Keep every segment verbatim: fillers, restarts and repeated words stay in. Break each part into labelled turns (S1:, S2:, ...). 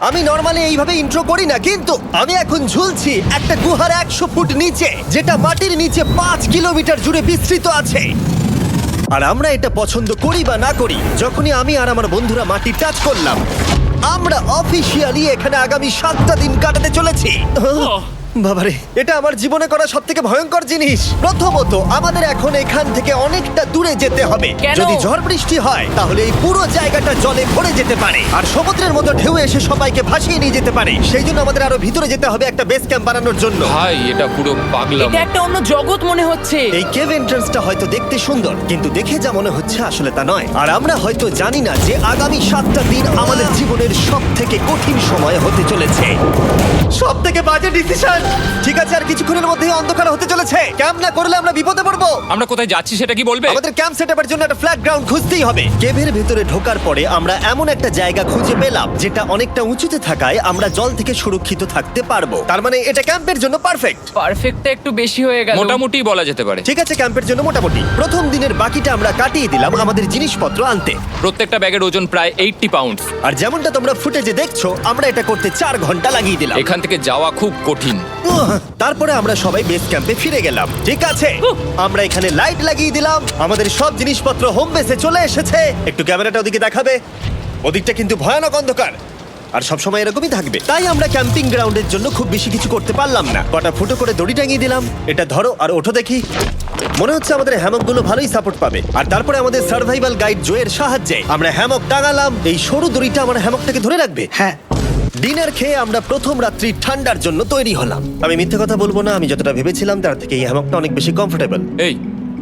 S1: আমি নর্মালি এইভাবে ইন্ট্রো করি না, কিন্তু আমি এখন ঝুলছি একটা গুহার একশো ফুট নিচে, যেটা মাটির নিচে পাঁচ কিলোমিটার জুড়ে বিস্তৃত আছে। আর আমরা এটা পছন্দ করি বা না করি, যখনই আমি আর আমার বন্ধুরা মাটি টাচ করলাম, আমরা অফিসিয়ালি এখানে আগামী সাতটা দিন কাটাতে চলেছি। বাবারে, এটা আমার জীবনে করা সব থেকে ভয়ঙ্কর জিনিস। প্রথমত, আমাদের এখন এখান থেকে অনেকটা দূরে যেতে হবে।
S2: কেন?
S1: যদি ঝড় বৃষ্টি হয় তাহলে এই পুরো জায়গাটা জলে ভরে যেতে পারে, আর সমুদ্রের মতো ঢেউ এসে সবাইকে ভাসিয়ে নিয়ে যেতে পারে। সেই জন্য আমাদের আরো ভিতরে যেতে হবে একটা বেস ক্যাম্প বানানোর জন্য।
S3: ভাই এটা পুরো পাগলাম।
S2: এটা একটা অন্য জগৎ মনে হচ্ছে।
S1: এই কেভ এন্ট্রান্সটা হয়তো দেখতে সুন্দর, কিন্তু দেখে যা মনে হচ্ছে আসলে তা নয়। আর আমরা হয়তো জানি না যে আগামী সাতটা দিন আমাদের জীবনের সব থেকে কঠিন সময় হতে চলেছে। সব থেকে বাজে ডিসিশন। ঠিক আছে, আর কিছুক্ষণের মধ্যেই অন্ধকার হতে চলেছে। ক্যাম্প না করলে আমরা বিপদে পড়বো।
S3: আমরা কোথায় যাচ্ছি সেটা কি বলবে?
S1: আমাদের ক্যাম্প সেটআপের জন্য একটা ফ্ল্যাট গ্রাউন্ড খুঁজতেই হবে। কেভের ভেতরে ঢোকার পরে আমরা এমন একটা জায়গা খুঁজে পেলাম যেটা অনেকটা উঁচুতে থাকায় আমরা জল থেকে সুরক্ষিত থাকতে পারবো। তার মানে এটা ক্যাম্পের জন্য পারফেক্ট।
S2: পারফেক্টটা একটু বেশি হয়ে গেল।
S3: মোটামুটি বলা যেতে পারে।
S1: ঠিক আছে, ক্যাম্পের জন্য মোটামুটি। প্রথম দিনের বাকিটা আমরা কাটিয়ে দিলাম আমাদের জিনিসপত্র আনতে।
S3: প্রত্যেকটা ব্যাগের ওজন প্রায় আশি পাউন্ড।
S1: আর যেমনটা তোমরা ফুটেজে দেখছো, আমরা এটা করতে চার ঘন্টা লাগিয়ে দিলাম।
S3: এখান থেকে যাওয়া খুব কঠিন।
S1: উহ, তারপরে আমরা সবাই বেস ক্যাম্পে ফিরে গেলাম। ঠিক আছে, আমরা এখানে লাইট লাগিয়ে দিলাম। আমাদের সব জিনিসপত্র হোম বেসে চলে এসেছে। একটু ক্যামেরাটা ওদিকে দেখাবে? ওদিকটা কিন্তু ভয়ানক অন্ধকার, আর সবসময় এরকমই থাকবে। তাই আমরা ক্যাম্পিং গ্রাউন্ডের জন্য খুব বেশি কিছু করতে পারলাম না। কটা ফুটো করে দড়ি টাঙিয়ে দিলাম। এটা ধরো আর ওঠো দেখি। মনে হচ্ছে আমাদের হ্যামকগুলো ভালোই সাপোর্ট পাবে। আর তারপরে আমাদের সার্ভাইভাল গাইড জোয়ের সাহায্যে আমরা হ্যামক টাঙালাম। এই সরু দড়িটা আমার হ্যামকটাকে ধরে রাখবে।
S4: হ্যাঁ,
S1: ডিনার খেয়ে আমরা প্রথম রাত্রি ঠান্ডার জন্য তৈরি হলাম। আমি মিথ্যে কথা বলবো না, আমি যতটা ভেবেছিলাম তার থেকে এই হ্যামকটা অনেক বেশি কমফোর্টেবল।
S3: এই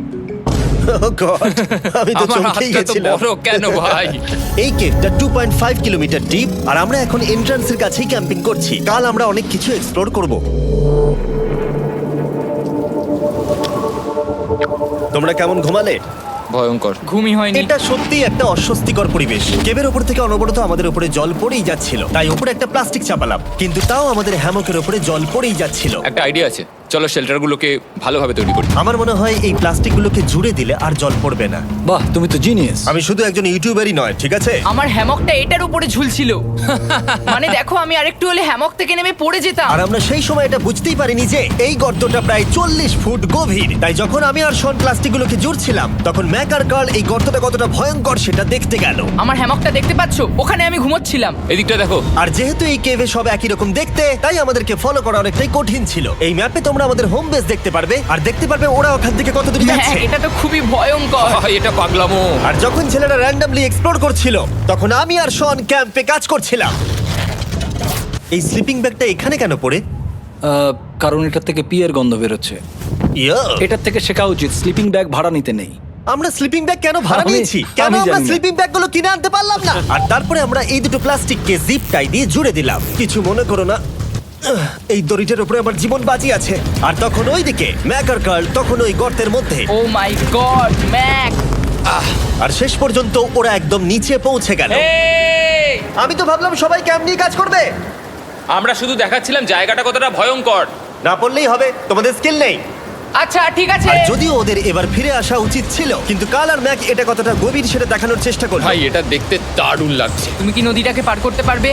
S1: আমি তো
S3: আমার
S1: চমকেই
S3: হাতটা তো
S1: গেছিলাম।
S3: বড় কেন ভাই?
S1: এই কেভটা two point five kilometre deep, আর আমরা এখন এন্ট্রান্সের কাছেই ক্যাম্পিং করছি। কাল আমরা অনেক কিছু এক্সপ্লোর করব। তোমরা কেমন ঘুমালে?
S3: ভয়ঙ্কর।
S2: ঘুমই হয়নি।
S1: এটা সত্যি একটা অস্বস্তিকর পরিবেশ। কেবের ওপর থেকে অনবরত আমাদের উপরে জল পড়েই যাচ্ছিল, তাই উপরে একটা প্লাস্টিক চাপালাম, কিন্তু তাও আমাদের হ্যামকের উপরে জল পড়েই যাচ্ছিল।
S3: একটা আইডিয়া আছে, চলো শেল্টারগুলোকে ভালোভাবে তৈরি করি।
S1: আমার মনে হয় এই প্লাস্টিকগুলোকে জুড়ে দিলে আর জল পড়বে না।
S4: বাহ, তুমি তো জিনিয়াস।
S1: আমি শুধু একজন ইউটিউবারই নয়, ঠিক আছে?
S2: আমার হ্যামকটা এটার উপরে ঝুলছিল। মানে দেখো, আমি আরেকটু হলে হ্যামক থেকে নেমে পড়ে যেতাম।
S1: আর আমরা সেই সময় এটা বুঝতেই পারিনি যে এই গর্তটা প্রায় চল্লিশ ফুট গভীর। তাই যখন আমি আর শন প্লাস্টিকগুলোকে জুড়ছিলাম, তখন ম্যাক আর কার্ল এই গর্তটা কতটা ভয়ঙ্কর সেটা দেখতে গেল।
S2: আমার হ্যামকটা দেখতে পাচ্ছো? ওখানে আমি ঘুমোচ্ছিলাম।
S3: এদিকটা দেখো।
S1: আর যেহেতু এই কেভে সব একই রকম দেখতে, তাই আমাদেরকে ফলো করা অনেকটাই কঠিন ছিল। এই ম্যাপে তোমরা আমাদের হোম বেস দেখতে পারবে, আর দেখতে পারবে ওরা ওখান থেকে কত দূর
S2: হ্যাঁ,
S1: যাচ্ছে।
S2: এটা তো খুবই ভয়ঙ্কর।
S3: ভাই এটা পাগলামো।
S1: আর যখন ছেলেরা র্যান্ডমলি এক্সপ্লোর করছিল, তখন আমি আর শন ক্যাম্পে কাজ করছিলাম। এই স্লিপিং ব্যাগটা এখানে কেন পড়ে?
S4: আহ, কারণ এটার থেকে পিয়ের গন্ধ বেরোচ্ছে।
S1: ইয়া,
S4: এটার থেকে শেখা উচিত স্লিপিং ব্যাগ ভাড়া নিতে নেই।
S1: আমরা স্লিপিং ব্যাগ কেন ভাড়া
S4: আমি-
S1: নিয়েছি? কেন
S4: আমি
S1: আমরা
S4: জানি না।
S1: স্লিপিং ব্যাগগুলো কিনে আনতে পারলাম না? আর তারপরে আমরা এই দুটো প্লাস্টিককে জিপ টাই দিয়ে জুড়ে দিলাম। কিছু মনে করো না, আহ, এই দড়িটার উপরে আমার জীবন বাজি আছে। আর তখন ওইদিকে ম্যাক আর কার্ল তখন ওই গর্তের মধ্যে।
S2: ও মাই গড, ম্যাক!
S1: আর শেষ পর্যন্ত ওরা একদম নিচে পৌঁছে গেল।
S3: এই!
S1: আমি তো ভাবলাম সবাই ক্যাম্প নিয়ে কাজ করবে।
S3: আমরা শুধু দেখাচ্ছিলাম জায়গাটা কতটা ভয়ঙ্কর।
S1: না পড়লেই হবে, তোমাদের স্কিল নেই।
S2: আচ্ছা ঠিক আছে।
S1: আর যদিও ওদের এবার ফিরে আসা উচিত ছিল, কিন্তু কাল আর ম্যাক এটা কতটা গভীর সেটা দেখানোর চেষ্টা করলো।
S3: ভাই এটা দেখতে দারুণ লাগছে।
S2: তুমি কি নদীটাকে পার করতে পারবে?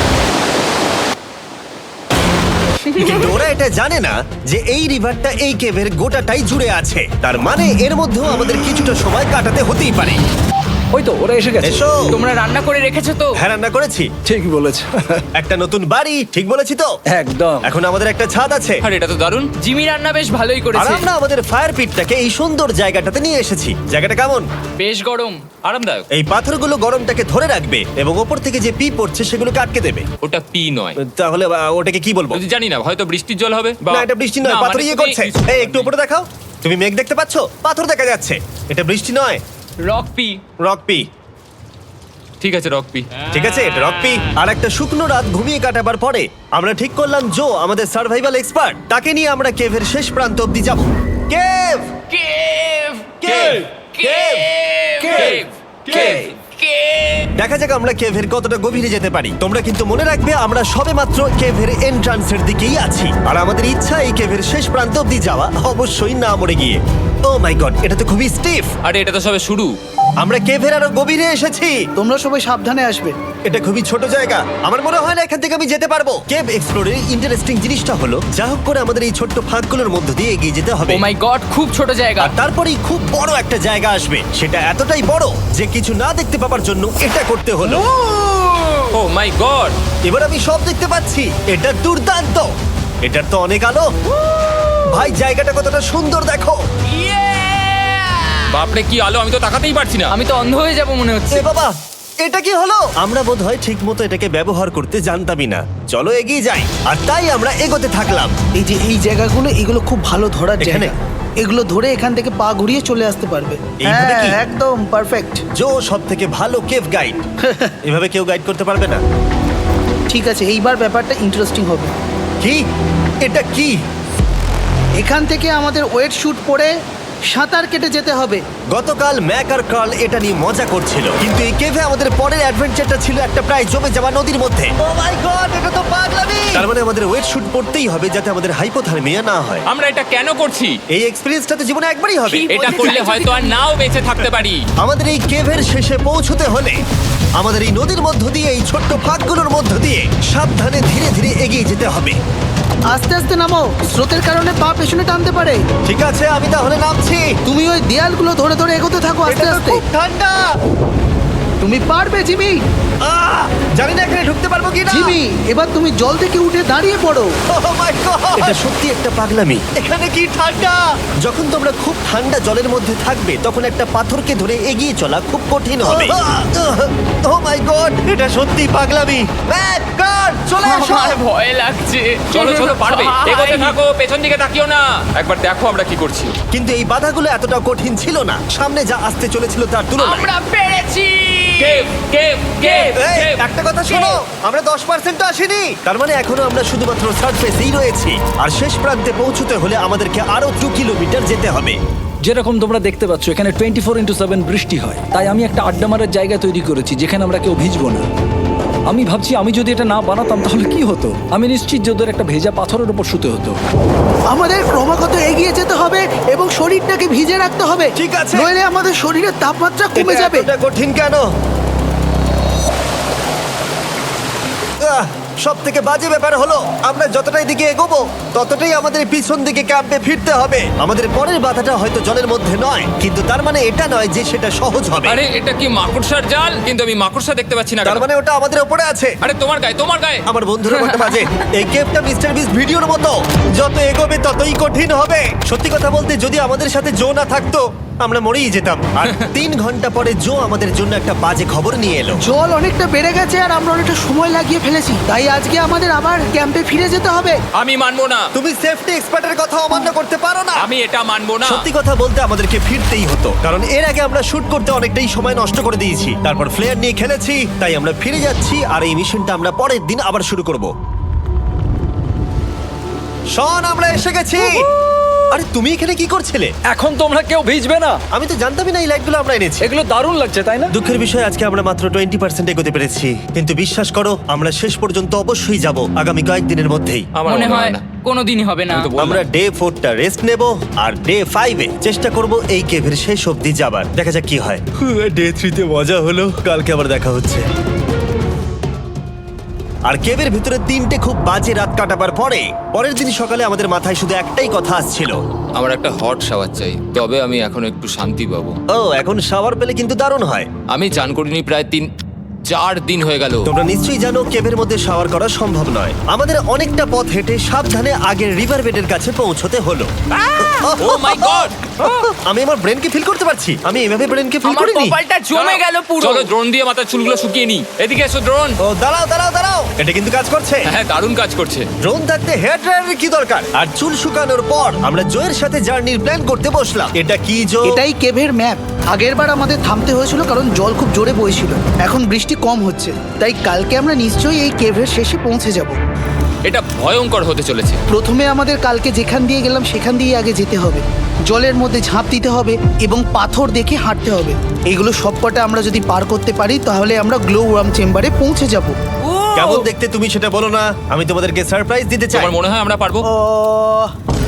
S1: কিন্তু ওরা এটা জানে না যে এই রিভারটা এই কেভের গোটাটাই জুড়ে আছে। তার মানে এর মধ্যেও আমাদের কিছুটা সময় কাটাতে হতেই পারে।
S4: ওই তো ওরা এসে গেছে।
S1: এসো।
S2: তোমরা রান্না করে রেখেছো তো?
S1: হ্যাঁ, রান্না করেছি।
S4: ঠিক বলেছ।
S1: একটা নতুন বাড়ি, ঠিক বলেছি তো?
S4: একদম।
S1: এখন আমাদের একটা ছাদ আছে।
S3: আর এটা তো দারুণ।
S2: জিমি রান্না বেশ ভালোই
S1: আর
S2: করেছে।
S1: আমরা আমাদের ফায়ার পিটটাকে এই সুন্দর জায়গাটাতে নিয়ে এসেছি। জায়গাটা কেমন?
S2: বেশ গরম।
S3: আরামদায়ক।
S1: এই পাথরগুলো গরমটাকে ধরে রাখবে এবং ওপর থেকে যে পি পড়ছে সেগুলোকে আটকে দেবে।
S3: ওটা পি নয়।
S1: তাহলে আহ, ওটাকে কি বলবো?
S3: যদি জানি না, হয়তো বৃষ্টির জল হবে বা
S1: না, এটা বৃষ্টি নয়,
S3: না,
S1: পাথর
S3: মানে
S1: ইয়ে
S3: তুমি
S1: করছে।
S3: কিছু-
S1: এই একটু উপরে দেখাও। তুমি মেঘ দেখতে পাচ্ছো? পাথর দেখা যাচ্ছে। এটা বৃষ্টি নয়,
S2: রক পি।
S1: Rock P.
S3: ঠিক আছে, রক পি।
S1: ঠিক আছে, এটা রক পি। আর একটা শুকনো রাত ঘুমিয়ে কাটাবার পরে আমরা ঠিক করলাম জো আমাদের সার্ভাইভাল এক্সপার্ট, তাকে নিয়ে আমরা কেভের শেষ প্রান্ত অব্দি যাব। Cave
S2: cave!
S1: Cave
S2: cave!
S1: Cave cave
S2: cave!
S1: দেখা যাক আমরা কেভের কতটা গভীরে যেতে পারি। তোমরা কিন্তু মনে রাখবে আমরা সবেমাত্র কেভের এন্ট্রান্সের দিকেই আছি, আর আমাদের ইচ্ছা এই কেভের শেষ প্রান্ত অব্দি যাওয়া, অবশ্যই না মরে গিয়ে। ও মাই গড, এটা তো খুবই স্টিফ।
S3: আরে এটা তো সবে শুরু।
S1: আমরা কেভের আরো গভীরে এসেছি।
S5: তোমরা সবাই সাবধানে আসবে।
S1: এটা খুবই ছোট জায়গা, আমার মনে হয় না এখান থেকে আমি যেতে পারবো। কেভ এক্সপ্লোরের ইন্টারেস্টিং জিনিসটা হলো যা হোক করে আমাদের এই ছোট্ট ফাঁকগুলোর মধ্য দিয়ে এগিয়ে যেতে হবে।
S2: ও মাই গড, খুব ছোট জায়গা।
S1: আর তারপরেই খুব বড় একটা জায়গা আসবে, সেটা এতটাই বড় যে কিছু না দেখতে পাওয়ার জন্য এটা করতে হলো।
S3: Oh my god!
S1: এবার আমি সব দেখতে পাচ্ছি, এটা দুর্দান্ত। এটার তো অনেক আলো। ভাই জায়গাটা কতটা সুন্দর দেখো।
S3: বাপরে কি আলো, আমি তো তাকাতেই পারছি না।
S2: আমি তো অন্ধ হয়ে যাব মনে হচ্ছে।
S1: এ বাবা, এটা কি হলো? আমরা বোধহয় ঠিক মতো এটাকে ব্যবহার করতে জানতামই না। চলো এগিয়ে যাই। আর তাই আমরা এগোতে থাকলাম।
S5: এই যে এই জায়গাগুলো, এগুলো খুব ভালো ধরার
S1: এখানে?
S5: জায়গা। এগুলো ধরে এখান থেকে পা ঘুরিয়ে চলে আসতে পারবে।
S1: এইভাবে কি?
S5: হ্যাঁ, একদম পারফেক্ট।
S1: জো সব থেকে ভালো কেভ গাইড। এভাবে কেউ গাইড করতে পারবে না।
S5: ঠিক আছে, এইবার ব্যাপারটা ইন্টারেস্টিং হবে।
S1: কি? এটা কি?
S5: এখান থেকে আমাদের ওয়েট শুট পরে সাঁতার কেটে যেতে হবে।
S1: গতকাল ম্যাক আর কার্ল এটা নিয়ে মজা করছিল, কিন্তু এই কেভে আমাদের পরের অ্যাডভেঞ্চারটা ছিল একটা প্রায় জমে যাওয়া নদীর মধ্যে। ও মাই গড, এটা তো পাগলামি! তার মানে আমাদের ওয়েট শুট পড়তেই হবে যাতে আমাদের হাইপোথার্মিয়া না হয়।
S3: আমরা এটা কেন করছি?
S1: এই এক্সপেরিয়েন্সটা তো জীবনে একবারই হবে।
S3: এটা করলে হয়তো আর নাও বেঁচে থাকতে পারি।
S1: আমাদের এই কেভের শেষে পৌঁছতে হলে আমাদের এই নদীর মধ্য দিয়ে, এই ছোট্ট ফাঁকগুলোর মধ্য দিয়ে সাবধানে ধীরে ধীরে এগিয়ে যেতে হবে।
S5: আস্তে আস্তে নামো, স্রোতের কারণে পা পেছনে টানতে পারে।
S1: ঠিক আছে, আমি তাহলে নামছি।
S5: তুমি ওই দেয়ালগুলো ধরে ধরে এগোতে থাকো আস্তে
S1: এটা তো
S5: আস্তে।
S1: খুব ঠান্ডা।
S5: তুমি পারবে জিমি।
S1: আহ! জানি না এখানে ঢুকতে পারবো কি না।
S5: জিমি, এবার তুমি জল থেকে উঠে দাঁড়িয়ে পড়ো।
S1: এটা সত্যি একটা পাগলামি। এখানে কি ঠান্ডা! যখন তোমরা খুব ঠান্ডা জলের মধ্যে থাকবে তখন একটা পাথরকে ধরে এগিয়ে চলা খুব কঠিন হবে। ও মাই গড, এটা সত্যি পাগলামি। ম্যাক, গার্ড, চলে এসো।
S2: আমার ভয় লাগছে।
S3: চলো চলো, পারবে।
S2: ভাই।
S3: এগোতে থাকো, পেছন দিকে তাকিও না। একবার দেখো আমরা কি করছি।
S1: কিন্তু এই বাধাগুলো এতটা কঠিন ছিল না সামনে যা আসতে চলেছিল তার তুলনায়।
S2: আমরা পেরেছি।
S3: কেভ কেভ কেভ
S1: এই,
S3: কেভ।
S1: একটা কথা শোনো, আমরা দশ পার্সেন্ট আসিনি। তার মানে এখনো আমরা শুধুমাত্র সার্ফেসেই রয়েছি, আর শেষ প্রান্তে পৌঁছতে হলে আমাদেরকে আরো দু কিলোমিটার যেতে হবে।
S4: যেরকম তোমরা দেখতে পাচ্ছ এখানে টোয়েন্টি ফোর ইন্টু সেভেন বৃষ্টি হয়, তাই আমি একটা আড্ডা মারার জায়গা তৈরি করেছি যেখানে আমরা কেউ ভিজবো না। আমি ভাবছি আমি যদি এটা না বানাতাম তাহলে কি হতো। আমি নিশ্চিত যে ওদের একটা ভেজা পাথরের উপর শুতে হতো।
S5: আমাদের ক্রমাগত এগিয়ে যেতে হবে এবং শরীরটাকে ভিজে রাখতে হবে।
S1: ঠিক আছে।
S5: নইলে আমাদের শরীরের তাপমাত্রা কমে যাবে।
S1: এটা কঠিন কেন? সব থেকে বাজে ব্যাপার হলো আমরা যতটাই দিকে এগোবো ততটাই আমাদের পিছন দিকে ক্যাম্পে ফিরতে হবে। আমাদের পরের বাধাটা হয়তো জলের মধ্যে নয়, কিন্তু তার মানে এটা নয় যে সেটা সহজ হবে।
S3: আরে এটা কি মাকড়সার জাল? কিন্তু আমি মাকড়সা দেখতে পাচ্ছি না
S1: তার
S3: কেন?
S1: মানে ওটা আমাদের উপরে আছে।
S3: আরে তোমার গায়ে, তোমার গায়ে।
S1: আমার বন্ধুরা বলতে বাজে, এই গেমটা মিস্টার বিস ভিডিওর মতো, যত এগোবে ততই কঠিন হবে। সত্যি কথা বলতে যদি আমাদের সাথে জো না থাকতো আমরা মরেই যেতাম। আর তিন ঘন্টা পরে জো আমাদের জন্য একটা বাজে খবর নিয়ে এলো।
S5: জল অনেকটা বেড়ে গেছে আর আমরা অনেকটা সময় লাগিয়ে ফেলেছি, তাই আজকে আমাদের আবার ক্যাম্পে ফিরে যেতে হবে।
S3: আমি মানবো না।
S1: তুমি সেফটি এক্সপার্টের কথা অমান্য করতে পারো না।
S3: আমি এটা মানবো না।
S1: সত্যি কথা বলতে আমাদেরকে ফিরতেই হতো, কারণ এর আগে আমরা শুট করতে অনেকটাই সময় নষ্ট করে দিয়েছি, তারপর ফ্লেয়ার নিয়ে খেলেছি, তাই আমরা ফিরে যাচ্ছি আর এই মিশনটা আমরা পরের দিন আবার শুরু করব। শন, আমরা এসে গেছি। আরে তুমি এখানে কি করছিলে?
S4: এখন তোমরা কেউ ভিজবে না।
S1: আমি তো জানতামই না এই লাইটগুলো আমরা এনেছি।
S4: এগুলো দারুণ লাগছে তাই না?
S1: দুঃখের বিষয় আজকে আমরা মাত্র টোয়েন্টি পার্সেন্ট এগোতে পেরেছি, কিন্তু বিশ্বাস করো আমরা শেষ পর্যন্ত অবশ্যই যাব আগামী কয়েকদিনের মধ্যেই।
S3: আমার
S2: মনে হয়
S3: না।
S2: কোনোদিনই হবে না।
S3: আমি তো বললাম।
S1: আমরা ডে ফোরটা রেস্ট নেব আর ডে ফাইভে চেষ্টা করব এই কেভের শেষ অবধি যাবার। দেখা যাক কি হয়। ডে থ্রিতে মজা হলো, কালকে আবার দেখা হচ্ছে। আর কেভের ভিতরে তিনটে খুব বাজে রাত কাটাবার পরে পরের দিন সকালে আমাদের মাথায় শুধু একটাই কথা আসছিল,
S3: আমার একটা হট শাওয়ার চাই, তবে আমি এখন একটু শান্তি পাবো।
S1: ও এখন শাওয়ার পেলে কিন্তু দারুণ হয়।
S3: আমি চান করিনি প্রায় তিন চার দিন হয়ে গেল।
S1: তোমরা নিশ্চয়ই জানো কেভের মধ্যে শাওয়ার করা সম্ভব নয়। আমাদের অনেকটা পথ হেঁটে সাবধানে আগের রিভার বেডের কাছে পৌঁছতে হলো।
S3: Oh my god!
S1: আমি আমার ব্রেনকে ফিল করতে পারছি। আমি এভাবে ব্রেনকে ফিল
S2: আমার
S1: করিনি।
S2: কপালটা জমে গেল পুরো।
S3: চলো ড্রোন দিয়ে মাথার চুলগুলো শুকিয়ে নি। এদিকে এসো ড্রোন।
S1: ও দাঁড়াও দাঁড়াও দাঁড়াও, এটা কিন্তু কাজ করছে।
S3: হ্যাঁ, দারুণ কাজ করছে।
S1: ড্রোন থাকতে হেয়ার ড্রায়ারের কি দরকার? আর চুল শুকানোর পর আমরা জয়ের সাথে জার্নির প্ল্যান করতে বসলাম। এটা কি জো?
S5: এটাই কেভের ম্যাপ। আগেরবার আমাদের থামতে হয়েছিল কারণ জল খুব জোরে বইছিল। এখন বৃষ্টি কম হচ্ছে, তাই কালকে আমরা নিশ্চয়ই এই কেভের শেষে পৌঁছে যাব।
S3: এটা ভয়ঙ্কর হতে চলেছে।
S5: প্রথমে আমাদের কালকে যেখান দিয়ে গেলাম সেখান দিয়ে আগে যেতে হবে, জলের মধ্যে ঝাঁপ দিতে হবে এবং পাথর দেখে হাঁটতে হবে। এগুলো সবকটা আমরা যদি পার করতে পারি তাহলে আমরা গ্লো ওয়ার্ম চেম্বারে পৌঁছে যাব।
S1: কেমন দেখতে তুমি সেটা বলো না, আমি তোমাদেরকে সারপ্রাইজ দিতে চাই।
S3: তোমার মনে হয় আমরা পারবো?
S5: ও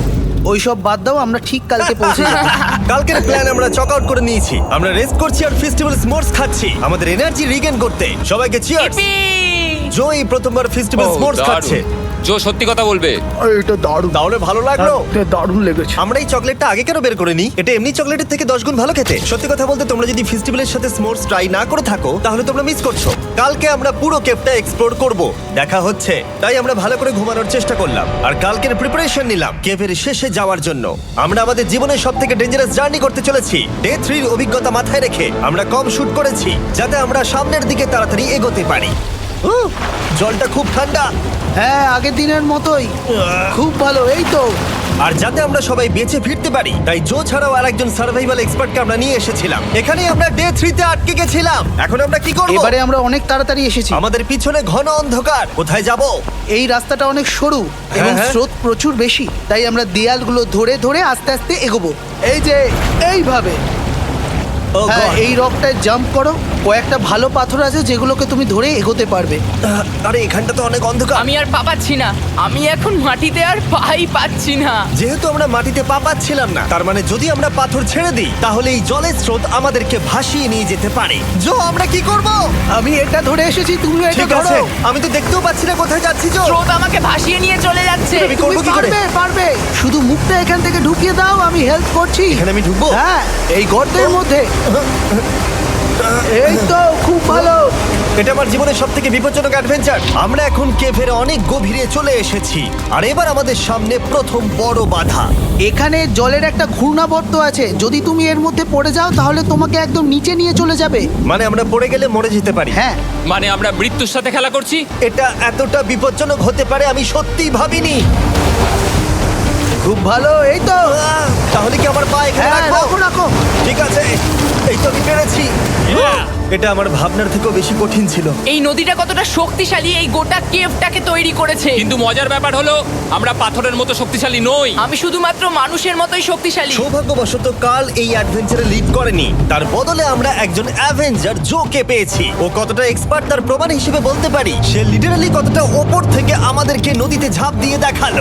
S5: ওইসব বাদ দাও, আমরা ঠিক কালকে পৌঁছে যাবো।
S1: কালকের প্ল্যান আমরা চক আউট করে নিয়েছি। আমরা রেস্ট করছি আর ফেস্টিভ্যাল স্মোর্টস খাচ্ছি আমাদের এনার্জি রিগেন করতে। সবাইকে চিয়ার্স।
S2: Yippee!
S1: জো এই প্রথমবার ফেস্টিভ্যাল
S3: ও,
S1: স্মোর্টস
S3: দারুণ।
S1: খাচ্ছে।
S3: জো সত্যি কথা বলবে।
S5: এটা দারুণ,
S1: তাহলে ভালো লাগলো?
S5: দারুণ লেগেছে।
S1: আমরা এই চকলেটটা আগে কেন বের করে নিই? এটা এমনি চকলেটের থেকে দশ গুণ ভালো খেতে। সত্যি কথা বলতে তোমরা যদি ফেস্টিভ্যালের সাথে স্মোর্টস ট্রাই না করে থাকো তাহলে তোমরা মিস করছো। কালকে আমরা পুরো কেপটা এক্সপ্লোর করব, দেখা হচ্ছে। তাই আমরা ভালো করে ঘুমানোর চেষ্টা করলাম আর কালকের প্রিপারেশন নিলাম কেভের শেষে যাওয়ার জন্য। আমরা আমাদের জীবনের সব থেকে ডেঞ্জারাস জার্নি করতে চলেছি। ডে থ্রির অভিজ্ঞতা মাথায় রেখে আমরা কম শুট করেছি যাতে আমরা সামনের দিকে তাড়াতাড়ি এগোতে পারি। উহ, জলটা খুব ঠান্ডা
S5: হ্যাঁ, আগের দিনের মতোই খুব ভালো। এই তো
S1: আর যাতে আমরা সবাই বেঁচে ফিরতে পারি তাই জো ছাড়াও আরেকজন সার্ভাইভাল এক্সপার্টকে আমরা নিয়ে এসেছিলাম। এখানে আমরা ডে থ্রিতে আটকে গেছিলাম। এখন আমরা কি করব?
S5: এবারে আমরা অনেক তাড়াতাড়ি এসেছি।
S1: আমাদের পিছনে ঘন অন্ধকার, কোথায় যাব?
S5: এই রাস্তাটা অনেক সরু এবং
S1: হ্যাঁ।
S5: স্রোত প্রচুর বেশি, তাই আমরা দেয়ালগুলো ধরে ধরে আস্তে আস্তে এগোবো। এই যে এইভাবে।
S1: ও
S5: হ্যাঁ,
S1: God!
S5: এই রকটায় জাম্প করো। কয়েকটা ভালো পাথর আছে যেগুলোকে তুমি ধরে এগোতে পারবে।
S1: আহ, আরে এখানটা তো অনেক অন্ধকার।
S2: আমি আর পা পাচ্ছি না, আমি এখন মাটিতে আর পাই পাচ্ছি না।
S1: যেহেতু আমরা মাটিতে পা পাচ্ছিলাম না তার মানে যদি আমরা পাথর ছেড়ে দিই তাহলে এই জলের স্রোত আমাদেরকে ভাসিয়ে নিয়ে যেতে পারে। জো আমরা কি করব?
S5: আমি এটা ধরে এসেছি, তুমি এটা
S1: ঠিক
S5: ধরো।
S1: আছে, আমি তো দেখতেও পাচ্ছি না কোথায় যাচ্ছি। জো
S2: স্রোত আমাকে ভাসিয়ে নিয়ে চলে যাচ্ছে।
S1: আমি
S5: তুমি
S1: করবো কি করে?
S5: পারবে, পারবে। শুধু মুখটা এখান থেকে ঢুকিয়ে দাও, আমি হেল্প করছি।
S1: এখানে আমি ঢুকবো?
S5: হ্যাঁ, এই গর্তের মধ্যে। এই তো খুব ভালো।
S1: এটা আমার জীবনের সব থেকে বিপজ্জনক অ্যাডভেঞ্চার। আমরা এখন কেভের অনেক গভীরে চলে এসেছি আর এবার আমাদের সামনে প্রথম বড় বাধা।
S5: এখানে জলের একটা ঘূর্ণাবর্ত আছে, যদি তুমি এর মধ্যে পড়ে যাও তাহলে তোমাকে একদম নিচে নিয়ে চলে যাবে।
S1: মানে আমরা পড়ে গেলে মরে যেতে পারি।
S5: হ্যাঁ,
S3: মানে আমরা মৃত্যুর সাথে খেলা করছি।
S1: এটা এতটা বিপজ্জনক হতে পারে আমি সত্যিই ভাবিনি।
S5: খুব ভালো। এই তো।
S1: আহ, তাহলে কি আমার পা এখানে
S5: হ্যাঁ,
S1: রাখবো?
S5: রাখো রাখো।
S1: ঠিক আছে, এই তো আমি পেরেছি। এটা আমার ভাবনার থেকেও বেশি কঠিন ছিল।
S2: এই নদীটা কতটা শক্তিশালী এই গোটা কেভটাকে তৈরি করেছে।
S3: কিন্তু মজার ব্যাপার হলো আমরা পাথরের মতো শক্তিশালী নই।
S2: আমি শুধুমাত্র মানুষের মতোই শক্তিশালী।
S1: সৌভাগ্যবশত কাল এই অ্যাডভেঞ্চারে লিড করেনি, তার বদলে আমরা একজন অ্যাভেঞ্জার জোকে পেয়েছি। ও কতটা এক্সপার্ট তার প্রমাণ হিসেবে বলতে পারি। সে লিটারালি কতটা ওপর থেকে আমাদেরকে নদীতে ঝাঁপ দিয়ে দেখালো।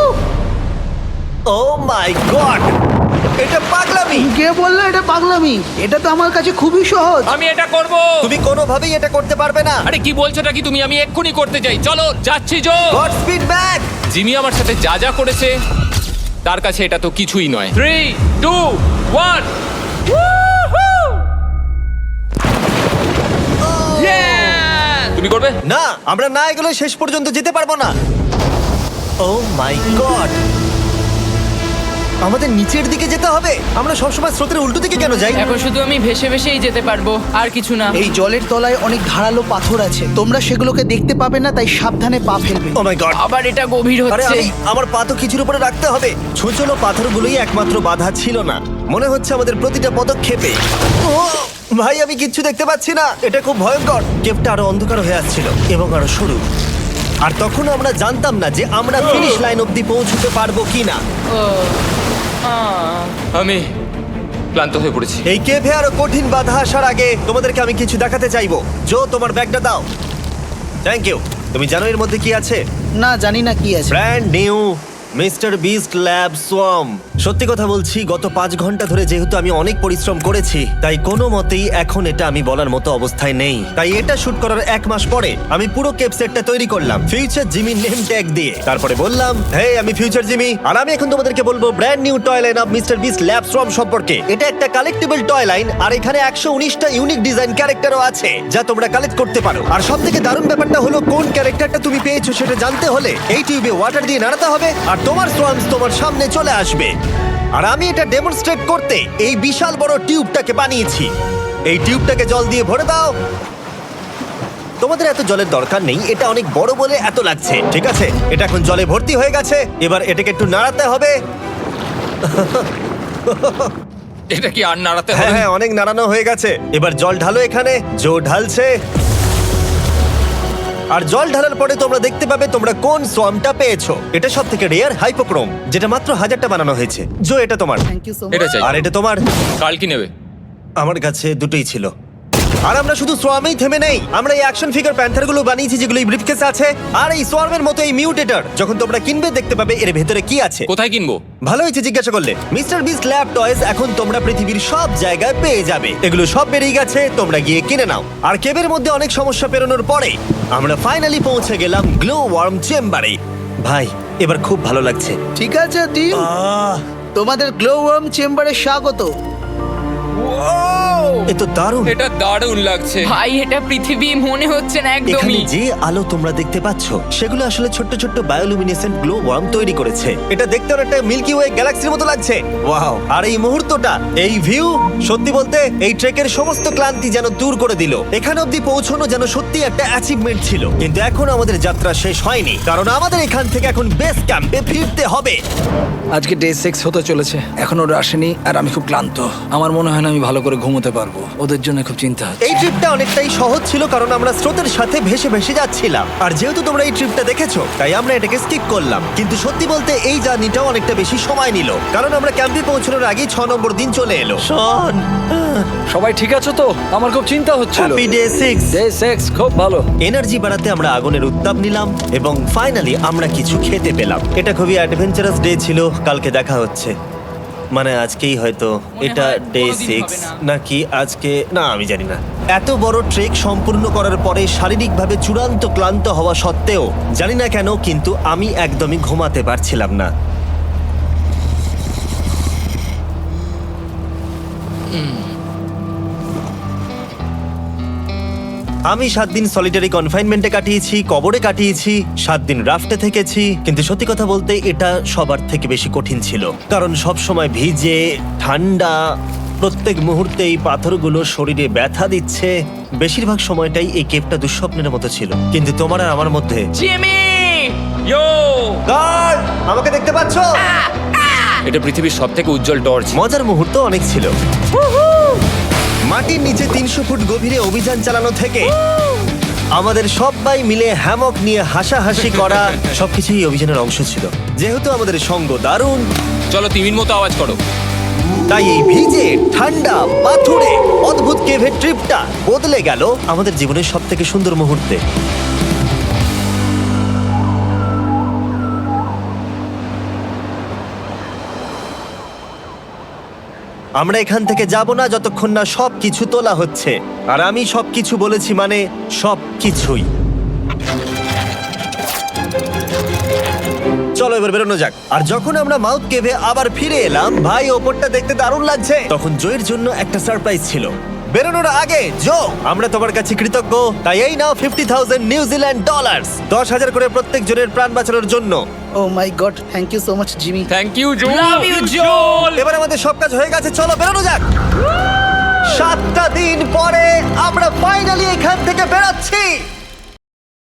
S1: ও মাই গড, এটা পাগলামি।
S5: কে বললো এটা পাগলামি? এটা তো আমার কাছে খুবই সহজ।
S3: আমি এটা করব।
S1: তুমি কোনোভাবেই এটা করতে পারবে না।
S3: আরে কি বলছোটা কি তুমি? আমি এক্ষুনি করতে চাই। চলো যাচ্ছি Joe.
S1: God speed back.
S3: Jimmy আমার সাথে যা যা করেছে তার কাছে এটা তো কিছুই নয়। Three two one. তুমি করবে?
S1: না, আমরা না এগুলো শেষ পর্যন্ত যেতে পারবো না। ও মাই গড, আমাদের নিচের দিকে যেতে হবে। আমরা সবসময় স্রোতের উল্টো দিকে কেন যাই?
S2: এখন শুধু আমি ভেসে ভেসেই যেতে পারবো, আর কিছু না।
S5: এই জলের তলায় অনেক ধারালো পাথর আছে, তোমরা সেগুলোকে দেখতে পাবে না, তাই সাবধানে পা ফেলবে।
S1: ও মাই গড,
S2: আবার এটা গভীর
S1: আরে
S2: হচ্ছে।
S1: আমি আমার পা তো কিছুর উপরে রাখতে হবে। ছোচলো পাথরগুলোই একমাত্র বাধা ছিল না, মনে হচ্ছে আমাদের প্রতিটা পদক্ষেপে। ও ভাই, আমি কিচ্ছু দেখতে পাচ্ছি না। এটা খুব ভয়ঙ্কর। কেভটা আরো অন্ধকার হয়ে আসছিল এবং আরো সরু। আর তখন আমরা জানতাম না যে আমরা ফিনিশ লাইন অবধি পৌঁছতে পারবো কিনা।
S2: ও, আহ।
S3: আমি ক্লান্ত হয়ে পড়েছি।
S1: এই কেভে আরো কঠিন বাধা আসার আগে তোমাদেরকে আমি কিছু দেখাতে চাইবো। জো, তোমার ব্যাগটা দাও। Thank you. তুমি জানো এর মধ্যে কি আছে?
S5: না, জানি না কি আছে।
S1: Brand new Mister Beast lab swarm. সত্যি কথা বলছি, গত পাঁচ ঘন্টা ধরে যেহেতু আমি অনেক পরিশ্রম করেছি তাই কোনো মতেই এখন এটা আমি বলার মতো অবস্থায় নেই। তাই এটা শুট করার এক মাস পরে আমি পুরো কেপ সেটটা তৈরি করলাম ফিউচার জিমি নেম ট্যাগ দিয়ে। তারপরে বললাম, হে আমি ফিউচার জিমি, আর আমি এখন তোমাদেরকে বলবো brand new toy line of Mister Beast lab swarm সম্পর্কে। এটা একটা কালেক্টেবল টয় লাইন আর এখানে একশো উনিশটা ইউনিক ডিজাইন ক্যারেক্টারও আছে যা তোমরা কালেক্ট করতে পারো। আর সব থেকে দারুণ ব্যাপারটা হলো কোন ক্যারেক্টারটা তুমি পেয়েছো সেটা জানতে হলে এই টিউবে ওয়াটার দিয়ে নাড়াতে হবে আর তোমার সোয়ামস তোমার সামনে চলে আসবে। আর আমি এটা ডেমনস্ট্রেট করতে এই বিশাল বড় টিউবটাকে বানিয়েছি। এই টিউবটাকে জল দিয়ে ভরে দাও। তোমাদের এত জলের দরকার নেই, এটা অনেক বড় বলে এত লাগছে। ঠিক আছে, এটা এখন জলে ভর্তি হয়ে গেছে। এবার এটাকে একটু নাড়াতে হবে।
S3: এটা কি আর নাড়াতে
S1: হ্যাঁ
S3: হবে?
S1: হ্যাঁ, অনেক নাড়ানো হয়ে গেছে। এবার জল ঢালো এখানে। জো ঢালছে। আর জল ঢালার পরে তোমরা দেখতে পাবে তোমরা কোন সোয়ামটা পেয়েছো। এটা সব থেকে রেয়ার হাইপোক্রোম, যেটা মাত্র হাজারটা বানানো হয়েছে। জো, এটা তোমার।
S5: থ্যাংক ইউ সো
S3: এটা
S5: মাচ।
S3: চাই।
S1: আর এটা তোমার।
S3: কাল কি নেবে?
S1: আমার কাছে দুটোই ছিল। আর আমরা শুধু সোয়ামেই থেমে নেই, আমরা এই অ্যাকশন ফিগার প্যান্থার গুলো বানিয়েছি যেগুলো এই ব্রিফকেসে আছে। আর এই সোয়ার্মের মতো এই মিউটেটর যখন তোমরা কিনবে দেখতে পাবে এর ভেতরে কি আছে।
S3: কোথায় কিনবো?
S1: ভালো হয়েছে জিজ্ঞাসা করলে। মিস্টার বিস্ট ল্যাব টয়েস এখন তোমরা পৃথিবীর সব জায়গায় পেয়ে যাবে। এগুলো সব বেরিয়ে গেছে, তোমরা গিয়ে কিনে নাও। আর কেবের মধ্যে অনেক সমস্যা পেরোনোর পরে আমরা ফাইনালি পৌঁছে গেলাম গ্লো ওয়ার্ম চেম্বারে। ভাই এবার খুব ভালো লাগছে।
S5: ঠিক আছে টিম,
S1: আহ,
S5: তোমাদের গ্লো ওয়ার্ম চেম্বারে স্বাগত।
S1: এ তো দারুণ।
S3: এটা দারুণ লাগছে।
S2: ভাই এটা পৃথিবী মনে হচ্ছে না
S1: এখানে
S2: একদমই।
S1: যে আলো তোমরা দেখতে পাচ্ছ সেগুলো আসলে ছোট্ট ছোট্ট বায়োলুমিনেসেন্ট গ্লো ওয়ার্ম তৈরি করেছে। এটা দেখতে অনেকটা মিল্কি ওয়ে গ্যালাক্সির মতো লাগছে। ওয়াও! আর এই মুহূর্তটা, এই ভিউ, সত্যি বলতে এই ট্রেকের সমস্ত ক্লান্তি যেন দূর করে দিল। এখানে অবধি পৌঁছানো যেন সত্যি একটা অ্যাচিভমেন্ট ছিল। কিন্তু এখন আমাদের যাত্রা শেষ হয়নি, কারণ আমাদের এখান থেকে এখন বেস ক্যাম্পে ফিরতে হবে।
S4: আজকে ডে সিক্স হতে চলেছে, এখন ওরা আসেনি আর আমি খুব ক্লান্ত। আমার মনে হয় না আমি ভালো করে ঘুমোতে পারবো, ওদের জন্য খুব চিন্তা হচ্ছে।
S1: এই ট্রিপটা অনেকটাই সহজ ছিল কারণ আমরা স্রোতের সাথে ভেসে ভেসে যাচ্ছিলাম। আর যেহেতু তোমরা এই ট্রিপটা দেখেছো তাই আমরা এটাকে স্কিপ করলাম। কিন্তু সত্যি বলতে এই জার্নিটাও অনেকটা বেশি সময় নিল, কারণ আমরা ক্যাম্পে পৌঁছানোর আগেই ছ নম্বর দিন চলে এলো। শন,
S4: সবাই ঠিক আছে তো? আমার খুব চিন্তা হচ্ছিল।
S1: Happy day six.
S4: Day six খুব ভালো।
S1: এনার্জি বাড়াতে আমরা আগুনের উত্তাপ নিলাম এবং ফাইনালি আমরা কিছু খেতে পেলাম। এটা খুবই অ্যাডভেঞ্চারাস ডে ছিল। কালকে দেখা হচ্ছে, মানে আজকেই হয়তো। এটা
S2: হয়
S1: ডে
S2: কোনোদিন
S1: সিক্স
S2: হবে না।
S1: নাকি আজকে, না আমি জানি না। এত বড় ট্রেক সম্পূর্ণ করার পরে শারীরিকভাবে চূড়ান্ত ক্লান্ত হওয়া সত্ত্বেও জানি না কেন কিন্তু আমি একদমই ঘুমাতে পারছিলাম না। আমি সাত দিন সলিটারি কনফাইনমেন্টে কাটিয়েছি, কবরে কাটিয়েছি, সাত দিন রাফটে থেকেছি। কিন্তু সত্যি কথা বলতে এটা সবার থেকে বেশি কঠিন ছিল, কারণ সব সময় ভিজে, ঠান্ডা, প্রত্যেক মুহূর্তে এই পাথরগুলো শরীরে ব্যথা দিচ্ছে। বেশিরভাগ সময়টাই এই কেপটা দুঃস্বপ্নের মতো ছিল। কিন্তু তোমার আর আমার মধ্যে
S2: জিমি!
S3: ইয়ো!
S1: গার্ড, আমাকে দেখতে পাচ্ছ?
S3: এটা পৃথিবীর সবথেকে উজ্জ্বল টর্চ।
S1: মজার মুহূর্ত অনেক ছিল। মাটির নিচে তিনশো ফুট গভীরে অভিযান চালানো থেকে আমাদের সবাই মিলে হ্যামক নিয়ে হাসাহাসি করা সবকিছুই এই অভিযানের অংশ ছিল। যেহেতু আমাদের সঙ্গ দারুণ,
S3: চলো তিমির মতো আওয়াজ করো।
S1: তাই এই ভিজে, ঠান্ডা, পাথুরে অদ্ভুত কেভের ট্রিপটা বদলে গেল আমাদের জীবনের সব থেকে সুন্দর মুহূর্তে। আমরা এখান থেকে যাব না যতক্ষণ না সব কিছু তোলা হচ্ছে। আর আমি সব কিছু বলেছি মানে সব কিছুই। চলো এবার বেরোনো যাক। আর যখন আমরা মাউথ কেভে আবার ফিরে এলাম, ভাই ওপরটা দেখতে দারুণ লাগছে। তখন জয়ের জন্য একটা সারপ্রাইজ ছিল। বেরোনোর আগে জো, আমরা তোমার কাছে কৃতজ্ঞ। তাই এই নাও ফিফটি থাউজেন্ড নিউজিল্যান্ড ডলার্স, দশ হাজার করে প্রত্যেক জনের প্রাণ বাঁচানোর জন্য।
S5: Oh my God, thank you so much Jimmy.
S3: Thank you Joe.
S2: Love you, Joel!
S1: এবার আমাদের সব কাজ হয়ে গেছে, চলো বেরোনো যাক। সাতটা দিন পরে আমরা ফাইনালি এখান থেকে বেরোচ্ছি।